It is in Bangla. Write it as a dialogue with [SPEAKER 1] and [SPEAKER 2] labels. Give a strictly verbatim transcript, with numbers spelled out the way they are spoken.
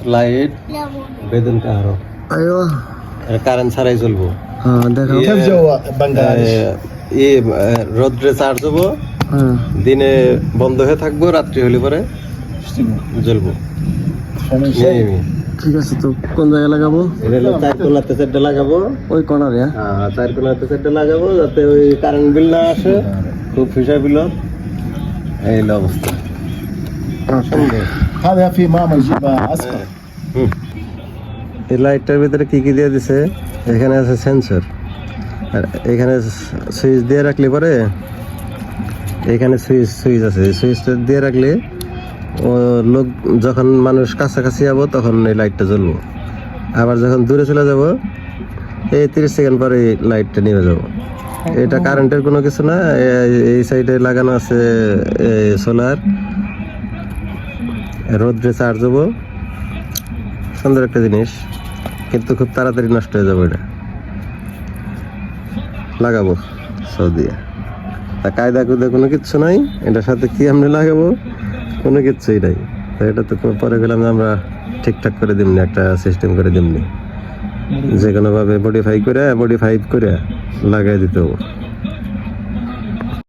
[SPEAKER 1] লাইট বেদন কাহারো
[SPEAKER 2] ايوه
[SPEAKER 1] কারেন্ট ছাড়াই চলবো।
[SPEAKER 2] اه দেখাও
[SPEAKER 3] كيف جو بنغلاديش؟
[SPEAKER 1] ই রোদ্রে চার্জ হবো,
[SPEAKER 2] হ্যাঁ
[SPEAKER 1] দিনে বন্ধ হয়ে থাকবো, রাত্রি হলে পরে জ্বলবো।
[SPEAKER 3] فمن شيء
[SPEAKER 2] ঠিক আছে। তো কোন জায়গায় লাগাবো?
[SPEAKER 1] এটা হলো চার কোনাতে চারটা লাগাবো।
[SPEAKER 2] ওই কর্নারে?
[SPEAKER 1] হ্যাঁ চার কোনাতে চারটা লাগাবো যাতে ওই কারেন্ট বিল না আসে, খুব ফিসা বিল। এই হলো অবস্থা।
[SPEAKER 3] هذا في ماما يجيبها اصفر.
[SPEAKER 1] হুম। এই লাইটটার ভিতরে কি কি দিয়ে দিছে? এখানে আছে সেন্সর, আর এখানে সুইচ দিয়ে রাখলে পরে এখানে সুইচ সুইচ আছে, সুইচটা দিয়ে রাখলে ও লোক যখন মানুষ কাছাকাছি যাবো তখন এই লাইটটা জ্বলবো, আবার যখন দূরে চলে যাব এই তিরিশ সেকেন্ড পরে এই লাইটটা নিভে যাব। এটা কারেন্টের কোনো কিছু না, এই সাইডে লাগানো আছে সোলার, রোদ্রে চার্জ হবো। সুন্দর একটা জিনিস, কিন্তু খুব তাড়াতাড়ি নষ্ট হয়ে যাবে। এটা লাগাবো সৌদিয়া, তা কায়দা কুদা কোনো কিচ্ছু নাই, এটার সাথে কি আমরা লাগাবো কোনো কিচ্ছুই নাই। তো এটা তো পরে গেলাম আমরা ঠিকঠাক করে দিমনি, একটা সিস্টেম করে দিমনি, যে কোনোভাবে মডিফাই করে মডিফাই করে লাগাই দিতে হবে।